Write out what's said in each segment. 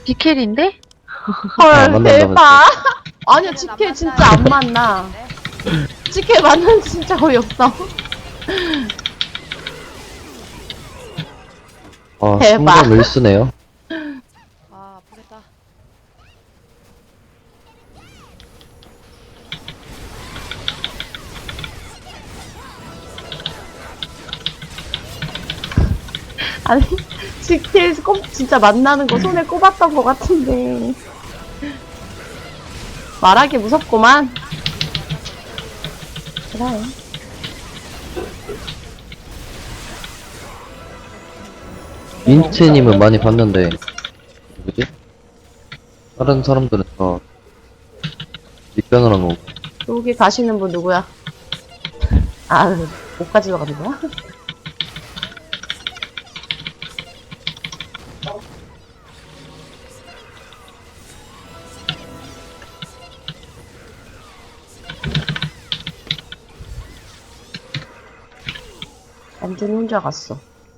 디켈인데? 아, 헐, 만난다, 대박. 아니야, 지켈 진짜 안 만나. 지켈 만나면 진짜 어이없어. 아, 대박. 승부가 밀수네요. 아, 아프겠다. 아니, 지켈 진짜 만나는 거 손에 꼽았던 것 같은데. 말하기 무섭구만. 그래. 민트님은 많이 봤는데, 누구지? 다른 사람들은 다, 입변을 한 거고. 여기 가시는 분 누구야? 아, 못 가지러 가는 거야? 완전 혼자 갔어.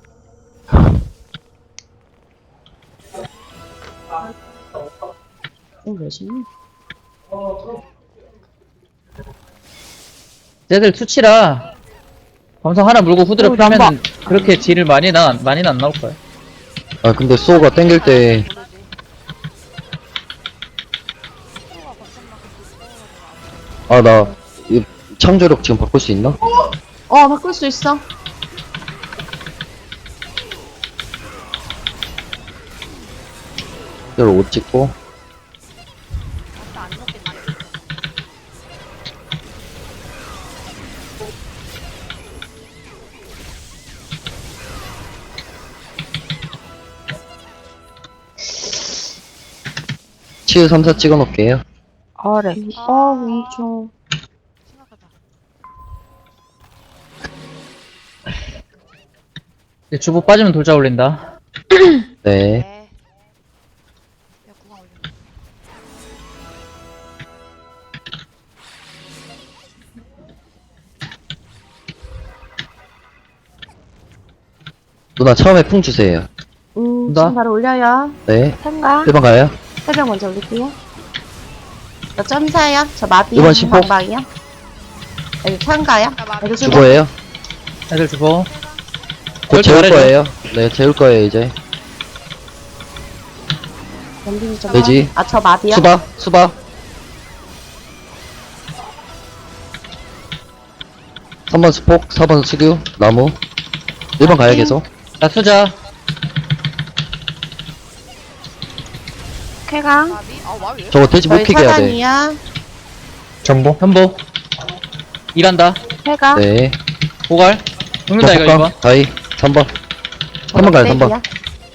왜시니? 쟤들 투치라 검성 하나 물고 후드를 오, 풀면 난봐. 그렇게 딜을 많이는 안 나올 거야. 아, 근데 수호가 땡길 때, 아, 나, 이 창조력 지금 바꿀 수 있나? 바꿀 수 있어. 이대로 옷 찍고, 아싸, 안 먹겠네. 치유 3, 4 찍어 놓을게요. 아래. 위쪽. 심각하다. 이제 주보 빠지면 돌자 올린다. 네. 네. 야, 구강 올려. 누나 처음에 풍 주세요. 나? 지금 바로 올려요. 네. 참가. 1번 가요. 해병 먼저 올릴게요. 저 점사요. 저 마비요. 이번 심포. 방방이요. 여기 참가요. 나 마비. 여기 수고. 주보예요. 애들 주보. 곧 재울 잘해줘. 거예요. 네, 재울 거예요, 이제. 연빈이 좀. 돼지. 저 마비요. 수바, 수바. 3번 스폭, 4번 수규, 나무. 1번 가요, 계속. 나 투자. 쾌강. 마비? 아, 마비 왜? 저거 돼지 못 저희 피게 해야 돼. 차단이야. 전보. 현보. 일한다. 쾌강. 네. 고갈. 죽는다 이거 덕감, 2번. 다이, 3번. 3번 가요, 3번. 백이야.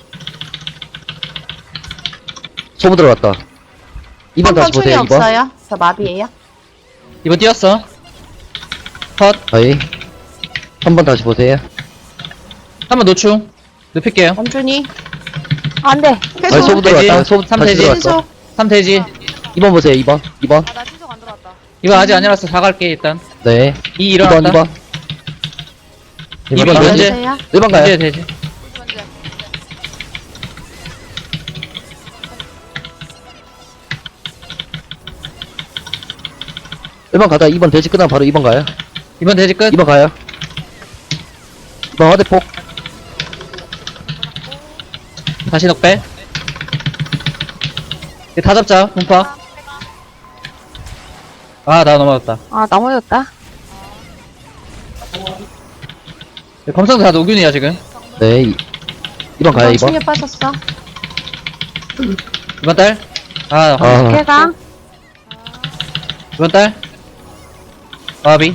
소부 들어갔다. 2번 다시 충이 보세요, 2번. 없어요. 저 마비예요. 2번 뛰었어. 컷. 다이. 3번 다시 보세요. 3번 노충. 눕힐게요. 원준이. 안 돼. 다시 계속. 소부 들어갔다. 돼지. 소부 삼 다시 돼지. 들어갔어. 신속. 3 돼지. 2번 보세요, 2번. 2번. 아, 나 신속 안 들어왔다. 2번 아직 안 일어났어. 4 갈게 일단. 네. 2 2번, 일어났다. 2번. 2번 돼지. 현재. 주세요. 1번 가요. 돼지 돼지. 먼저. 1번 가다 2번 돼지 끝나면 바로 2번 가요. 2번 돼지 끝. 2번 가요. 2번 화대폭. 다시 넉배. 이제 다 잡자. 분파. 아 나 넘어졌다. 아, 넘어졌다. 검성도 다 노균이야 지금. 네. 2번 가요, 2번. 충에 빠졌어. 2번 딸. 아 쾌강. 2번 딸. 마비.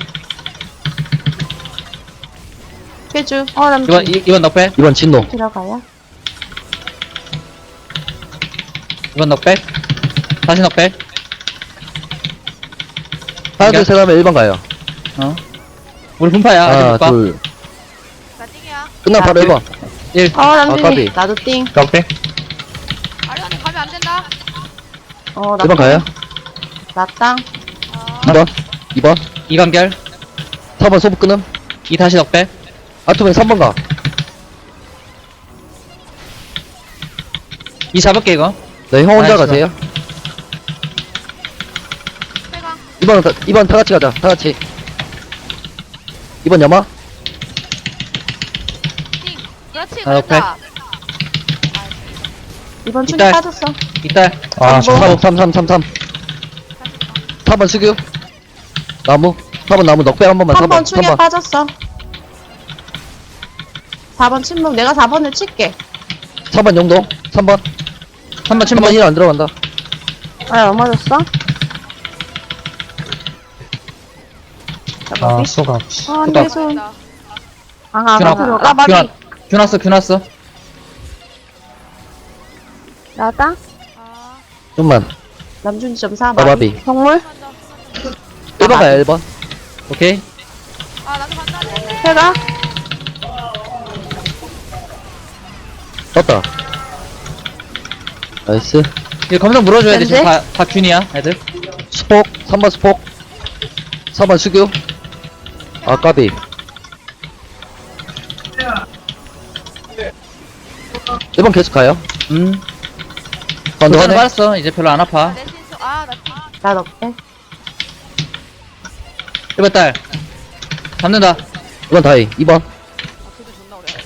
쾌주. 남주. 2번 넉배. 2번 진노. 들어가요. 2번 넉백. 다시 넉백. 하나, 둘, 셋 하면 1번 가요. 어. 우리 분파야. 아직 하나, 못 가. 둘. 나 띵이야. 끝나면 바로 1번. 1. 남준이. 까비. 나도 띵. 넉백. 아리안이 가면 안 된다. 나 1번 가요. 나 땅. 아, 2번. 2번. 2간결. 4번 소부 끊음. 2 다시 넉백. 아토맨 3번 가. 2 잡을게 이거. 네, 형 혼자 알겠어. 가세요. 세강. 2번 다 같이 가자. 다 같이. 2번 염화. 띵. 그렇지, 아, 오케이. 그랬다. 이번 충이 이딸. 빠졌어. 이딸. 아, 뭐? 3 4번 수교. 나무. 4번 나무 넉백 한 번만. 3번 3번. 충에 3번. 빠졌어. 4번 침묵. 내가 4번을 칠게. 3번 용동. 3번. 3번 3번 침묵. 힐 안 들어간다. 아, 넘어졌어? 아, 수갑. 아, 내 손. 나 아, 균아. 아, 마비. 균 왔어, 균 왔어. 나다? 아, 좀만. 남준이 점 4. 마바비. 동물? 간다. 1번 가요, 1번. 오케이. 아, 나도 간다. 네. 해가? 떴다. 나이스. 이거 검정 물어줘야 돼. 지금 렌즈? 다 균이야, 애들. 스폭. 3번 스폭. 4번 수교. 아, 까비. 1번 계속 가요. 가운데 도전은 화내. 빠졌어. 이제 별로 안 아파. 내 신속. 아, 나 띵. 나 넣게. 1번 딸. 잡는다. 2번 다이. 2번. 아, 그게 존나 오래.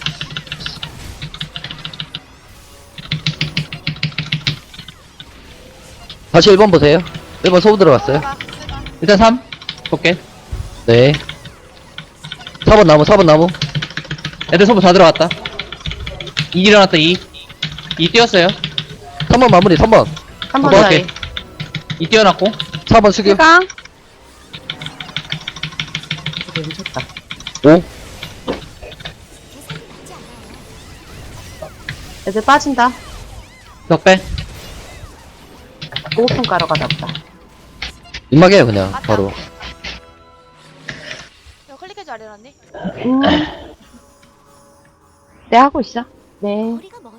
다시 1번 보세요. 1번 소부 들어갔어요. 세강. 세강. 일단 3. 볼게. 네. 4번 나무, 4번 나무. 애들 소부 다 들어갔다. 2 일어났다, 2. 2 뛰었어요. 3번 마무리, 3번. 3번 뭐 다이. 할게? 2 뛰어났고. 4번 수교. 해가? 미쳤다. 5. 애들 빠진다. 덕배. 오픈 가러 가다 보다. 입막해요, 그냥. 바로. 이거 클릭해줘, 아리언니. 네, 하고 있어. 네.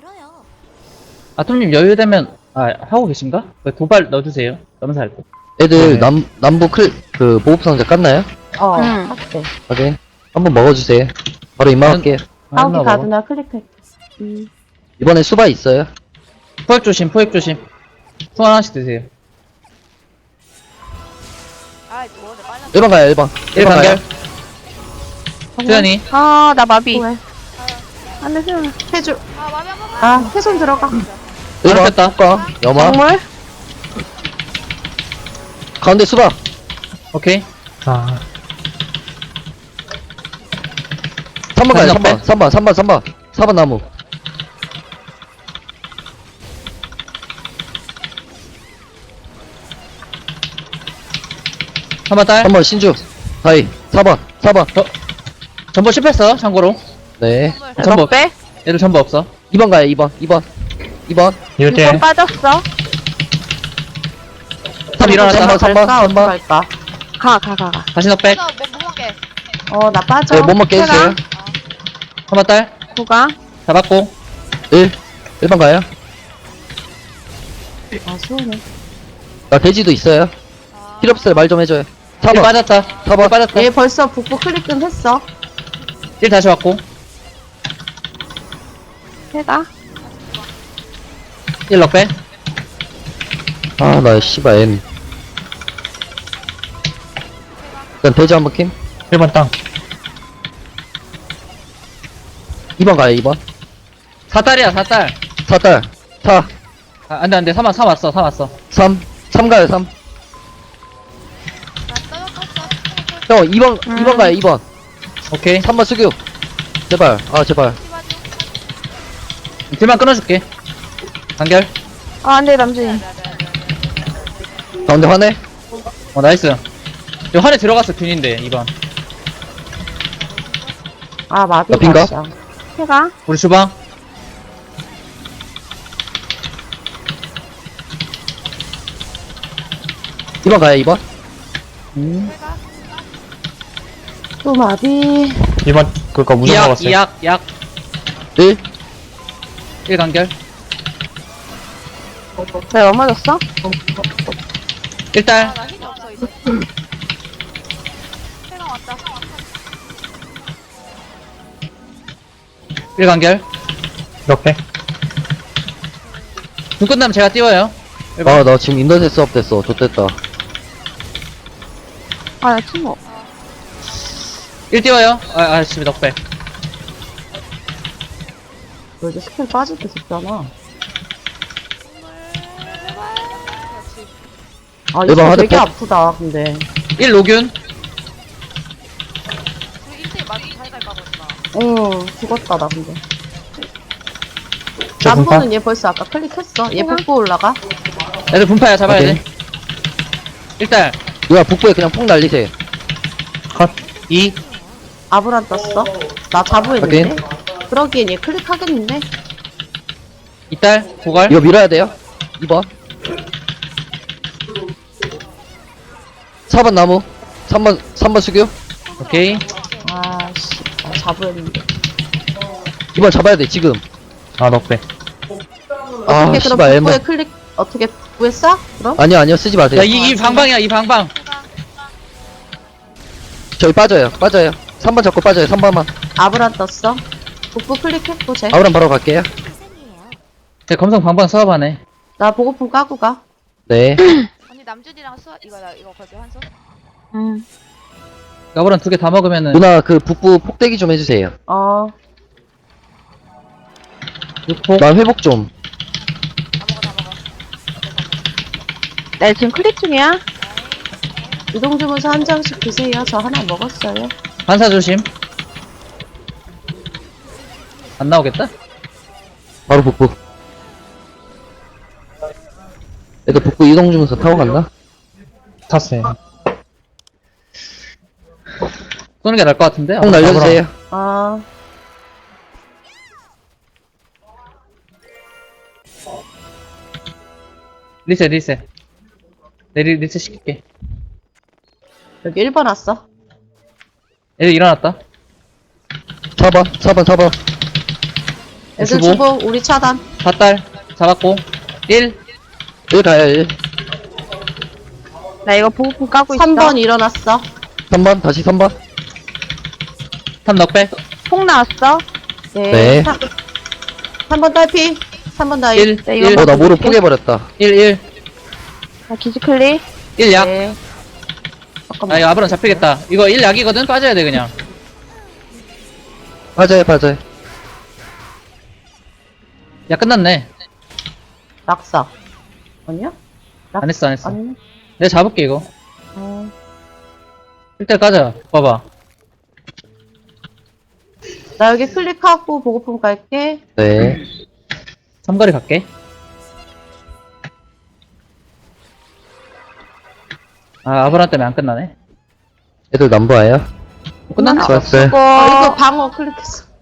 아톰님 여유되면, 하고 계신가? 도발 넣어주세요. 넘사 할 때. 애들 네. 남부 보급 상자 깠나요? 응. 확대. 확인. 한번 먹어주세요. 바로 입막할게요. 하우기 먹어. 가드나 클릭해. 이번에 수바 있어요. 포획 조심, 포획 조심. 총 하나씩 드세요. 아, 뭐, 내 빨리. 1번 가요, 1번. 1 간결. 수현이. 아, 나 마비. 왜? 안 돼, 수연아. 해줄. 아, 마비 한 번만. 아, 해손 들어가. 1번. 뺐다. 까 염화. 동물? 가운데 수바. 오케이. 아, 3번 가요, 옆에? 3번. 4번 나무. 한번 딸. 3번 신주. 다이. 4번. 전부 실패했어, 참고로. 네. 선물. 전부, 빼? 얘들 전부 없어. 2번 가요, 2번. 2번. 1대. 6번 빠졌어. 3 일어났다. 3번. 갈까? 어디 갈까? 가. 다시 넉백. 너 뭐 먹게. 나 빠져. 네, 못 먹게 해주세요. 한번 딸. 구가. 잡았고. 1번 가요. 아, 수호네. 나 돼지도 있어요. 아, 필요 없어요, 말 좀 해줘요. 1 4번. 빠졌다. 4번. 1 빠졌다. 얘 벌써 북부 클릭은 했어. 1 다시 왔고. 해가? 1 넉백. 아, 나 씨발 M. 일단 돼지 한번 킴. 1번 땅. 2번 가요, 2번. 4딸이야, 4딸. 4딸. 4. 안 돼, 안 돼. 3 왔어. 3. 3 가요, 3. 나 떠. 형, 2번 가요, 2번. 오케이. 3번 수교. 제발. 아, 제발. 딜만 끊어줄게. 간결. 아, 안 돼, 남준이. 가운데 화내. 나이스. 이거 환에 들어갔어, 균인데, 2번. 아, 마비 나 빈가? 맛이야. 해가? 우리 주방. 2번 가요, 2번. 또 마비. 2번, 그니까 무슨 이약, 먹었어요? 약. 1. 1 간결. 왜 넘어졌어? 1딸. 나 힘이 없어, 이제. 세강 왔다. 1 간결. 이렇게. 궁 끝나면 제가 띄워요. 아, 나 지금 인터넷 수업 됐어. 좋됐다. 아, 나 친구. 1 띄워요. 지금 넉백. 너 이제 스킬 빠질 때 됐잖아. 아, 일반 이거 하드 되게 법. 아프다, 근데. 1 로균. 우리 1대1 많이 잘 갈까 보다. 응, 죽었다, 나 근데. 저 분파? 남보는 얘 벌써 아까 클릭했어. 얘 복구 올라가. 애들 분파야 잡아야 오케이. 돼. 일단 누가 북부에 그냥 폭 날리세요. 컷. 2. 아브란 떴어. 나 자부했는데. 그러기엔 얘 클릭하겠는데? 이딸 고갈. 이거 밀어야 돼요. 2번. 4번 나무. 3번 수교. 오케이. 아씨, 나 자부했는데. 2번 잡아야 돼, 지금. 아, 넉배. 아, 어떻게 그럼 씨발, 복구에 애매. 클릭, 어떻게 복구했어? 그럼? 아니요, 쓰지 마세요. 야, 이 방방이야, 이 방방. 저희 빠져요. 3번 잡고 빠져요, 3번만. 아브란 떴어. 복구 클릭했고, 쟤. 아우람 바로 갈게요. 제 검성 방방 수업하네. 나 보고품 까고 가. 네. 언니 남준이랑 이거 거기 한수? 응. 가브란 2개 다 먹으면은 누나, 그 북부 폭대기 좀 해주세요. 어, 6폭. 나 회복 좀. 다 먹어. 나 지금 클릭 중이야. 이동주문서 한 장씩 드세요. 저 하나 먹었어요. 반사 조심. 안 나오겠다? 바로 북부. 애들 북부 이동 주면서 타고 갔나? 탔어요. 쏘는 게 나을 것 같은데? 폭 날려주세요. 아, 리셋. 내 리셋 시킬게. 여기 1번 왔어. 애들 일어났다. 4번. 애들 15. 주고, 우리 차단. 4딸 잡았고. 1. 1 가요, 1. 나 이거 보고품 까고 있어. 3번 일어났어. 3번, 다시 3번. 3 넉백. 폭 나왔어. 네. 3번 딸피. 3번 다이. 1. 네, 이거 1. 나 모르 포개버렸다. 1. 나 기지 클릭. 1 약. 네. 아, 잠깐만. 이거 아브론 잡히겠다. 이거 1 약이거든? 빠져야 돼, 그냥. 맞아요. 야, 끝났네. 낙사. 아니야? 안 했어. 아니네. 내가 잡을게, 이거. 어. 1대 까자. 봐봐. 나 여기 클릭하고 보고품 갈게. 네. 삼거리 갈게. 아, 아브론 때문에 안 끝나네. 애들 남부 와요. 끝났나? 좋았어요. 수고. 이거 방어 클릭했어.